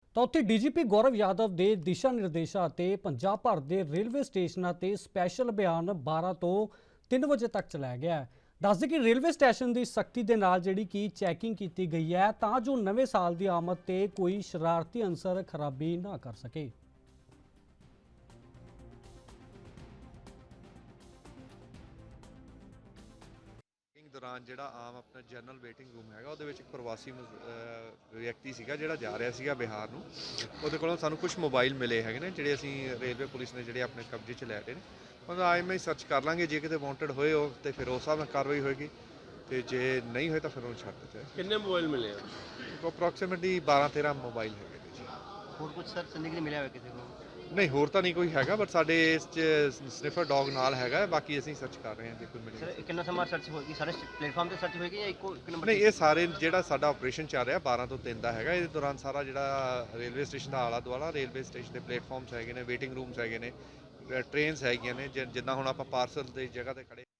ਤਾਂ ਉੱਥੇ ਡੀਜੀਪੀ ਗੌਰਵ ਯਾਦਵ ਦੇ ਦਿਸ਼ਾ ਨਿਰਦੇਸ਼ਾਂ ਤੇ ਪੰਜਾਬ ਭਰ ਦੇ ਰੇਲਵੇ ਸਟੇਸ਼ਨਾਂ ਤੇ ਸਪੈਸ਼ਲ ਅਭਿਆਨ 12 ਤੋਂ 3 ਵਜੇ ਤੱਕ ਚਲਾਇਆ ਗਿਆ ਹੈ। ਦੱਸਦੇ ਕਿ ਰੇਲਵੇ ਸਟੇਸ਼ਨ ਦੀ ਸਖਤੀ ਦੇ ਨਾਲ ਜਿਹੜੀ ਕਿ ਚੈਕਿੰਗ ਕੀਤੀ ਗਈ ਹੈ ਤਾਂ ਜੋ ਨਵੇਂ ਸਾਲ ਦੀ ਆਮਦ ਤੇ ਕੋਈ ਸ਼ਰਾਰਤੀ ਅਨਸਰ ਖਰਾਬੀ ਨਾ ਕਰ ਸਕੇ। ਦੌਰਾਨ ਜਿਹੜਾ ਆਮ ਆਪਣਾ ਜਨਰਲ ਵੇਟਿੰਗ ਰੂਮ ਹੈਗਾ ਉਹਦੇ ਵਿੱਚ ਇੱਕ ਪ੍ਰਵਾਸੀ ਵਿਅਕਤੀ ਸੀਗਾ ਜਿਹੜਾ ਜਾ ਰਿਹਾ ਸੀਗਾ ਬਿਹਾਰ ਨੂੰ। ਉਹਦੇ ਕੋਲੋਂ ਸਾਨੂੰ ਕੁਝ ਮੋਬਾਈਲ ਮਿਲੇ ਹੈਗੇ ਨੇ ਜਿਹੜੇ ਅਸੀਂ ਰੇਲਵੇ ਪੁਲਿਸ ਨੇ ਜਿਹੜੇ ਆਪਣੇ ਕਬਜ਼ੇ 'ਚ ਲੈ ਲਏ ਨੇ। ਉਹਦਾ ਆਈ ਮੈਂ ਸਰਚ ਕਰ ਲਾਂਗੇ, ਜੇ ਕਿਤੇ ਵਾਂਟਡ ਹੋਏ ਉਹ ਤੇ ਫਿਰ ਉਸ ਹਿਸਾਬ ਨਾਲ ਕਾਰਵਾਈ ਹੋਏਗੀ ਤੇ ਜੇ ਨਹੀਂ ਹੋਏ ਤਾਂ ਫਿਰ ਉਹਨੂੰ ਛੱਡ ਦਿੱਤਾ ਜਾਏ। ਕਿੰਨੇ ਮੋਬਾਈਲ ਮਿਲੇ ਆ? ਅਪਰੋਕਸੀਮੇਟਲੀ 12-13 ਮੋਬਾਈਲ ਹੈਗੇ ਨੇ ਜੀ। ਹੋਰ ਕੁਝ ਸਰ ਜ਼ਿੰਦਗੀ ਮਿਲਿਆ ਹੋਇਆ ਕਿਸੇ ਨੂੰ? ਨਹੀਂ, ਹੋਰ ਤਾਂ ਨਹੀਂ ਕੋਈ ਹੈਗਾ, ਬਟ ਸਾਡੇ ਇਸ 'ਚ ਸਨਿਫਰ ਡੌਗ ਨਾਲ ਹੈਗਾ। ਬਾਕੀ ਅਸੀਂ ਸਰਚ ਕਰ ਰਹੇ ਹਾਂ ਜੇ ਕੋਈ ਮਿਲੇ। ਸਰ ਕਿੰਨਾ ਸਮਾਂ ਸਰਚ ਹੋਏਗੀ? ਸਾਰੇ ਪਲੇਟਫਾਰਮ ਤੇ ਸਰਚ ਹੋਏਗੀ ਜਾਂ ਇੱਕੋ ਇੱਕ ਨੰਬਰ? ਨਹੀਂ, ਇਹ ਸਾਰੇ ਜਿਹੜਾ ਸਾਡਾ ਆਪਰੇਸ਼ਨ ਚੱਲ ਰਿਹਾ 12 ਤੋਂ 3 ਦਾ ਹੈਗਾ। ਇਹਦੇ ਦੌਰਾਨ ਸਾਰਾ ਜਿਹੜਾ ਰੇਲਵੇ ਸਟੇਸ਼ਨ ਦਾ ਆਲਾ ਦੁਆਲਾ, ਰੇਲਵੇ ਸਟੇਸ਼ਨ ਦੇ ਪਲੇਟਫਾਰਮਸ ਹੈਗੇ ਨੇ, ਵੇਟਿੰਗ ਰੂਮਸ ਹੈਗੇ ਨੇ, ਟ੍ਰੇਨਸ ਹੈਗੀਆਂ ਨੇ। ਜਿੱਦਾਂ ਹੁਣ ਆਪਾਂ ਪਾਰਸਲ ਦੀ ਜਗ੍ਹਾ ਤੇ ਖੜੇ